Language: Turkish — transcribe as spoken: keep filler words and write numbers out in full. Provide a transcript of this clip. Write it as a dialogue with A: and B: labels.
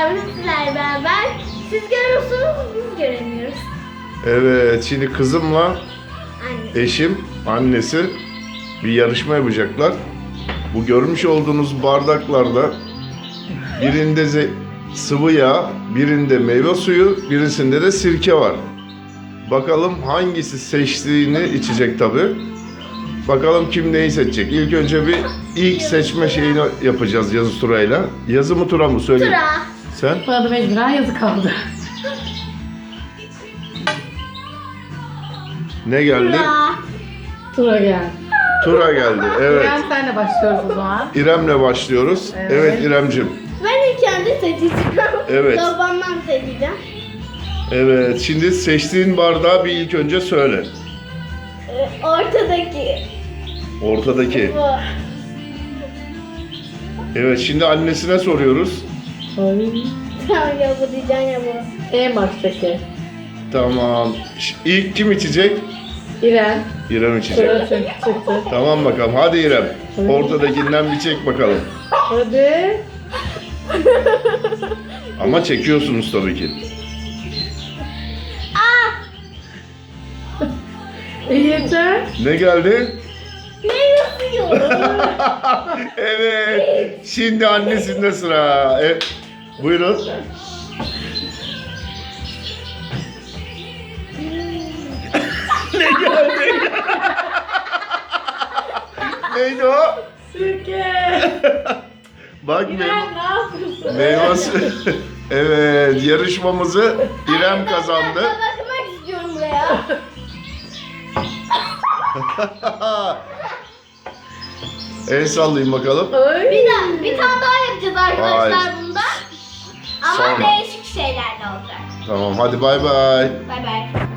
A: arkadaşlar bugün sizlerle beraber siz görüyorsunuz biz göremiyoruz.
B: Evet, şimdi kızımla
A: Anne.
B: eşim, annesi bir yarışma yapacaklar. Bu görmüş olduğunuz bardaklarda birinde ze- sıvı yağ, birinde meyve suyu, birisinde de sirke var. Bakalım hangisi seçtiğini içecek tabi. Bakalım kim neyi seçecek. İlk önce bir ilk seçme şeyini yapacağız yazı turayla. Yazı mı tura mı söyle.
A: Tura.
B: Sen?
C: Bana da mecburen yazı kaldı.
B: Ne geldi?
A: Tura.
C: Tura gel.
B: Tura geldi. Evet.
C: İrem senle başlıyoruz o zaman.
B: İrem'le başlıyoruz. Evet,
C: Evet.
B: İrem'cim.
A: Ben ilk önce seçeceğim.
B: Evet.
A: Babamdan seçeceğim.
B: Evet, şimdi seçtiğin bardağı bir ilk önce söyle.
A: Ee, ortadaki.
B: Ortadaki.
A: Bu.
B: Evet, şimdi annesine soruyoruz.
C: Ay.
A: Tamam ya bu diyeceğim ya bu.
C: En baştaki.
B: Tamam. Ş- İlk kim içecek?
C: İrem.
B: İrem içecek.
C: Tura çünkü çıktı.
B: Tamam bakalım. Hadi İrem. Ortadakinden bir çek bakalım.
C: Hadi.
B: Ama çekiyorsunuz tabii ki.
C: İyi yeter.
B: Ne geldi?
A: Ne yapıyor?
B: Evet. Şimdi annesinde sıra. E, buyurun. Ne geldi? Neydi o?
C: Sirke.
B: Bak meyve,
C: İrem ne yapıyorsun?
B: meyve suyu. Evet, yarışmamızı İrem kazandı.
A: Ben bakmak istiyorum buraya.
B: El sallayın bakalım.
C: Ay.
A: Bir daha, bir tane daha yapacağız arkadaşlar
B: Hayır.
A: bunda. Ama
B: Sonra.
A: değişik şeyler de olacak.
B: Tamam, hadi bay bay.
A: Bay bay.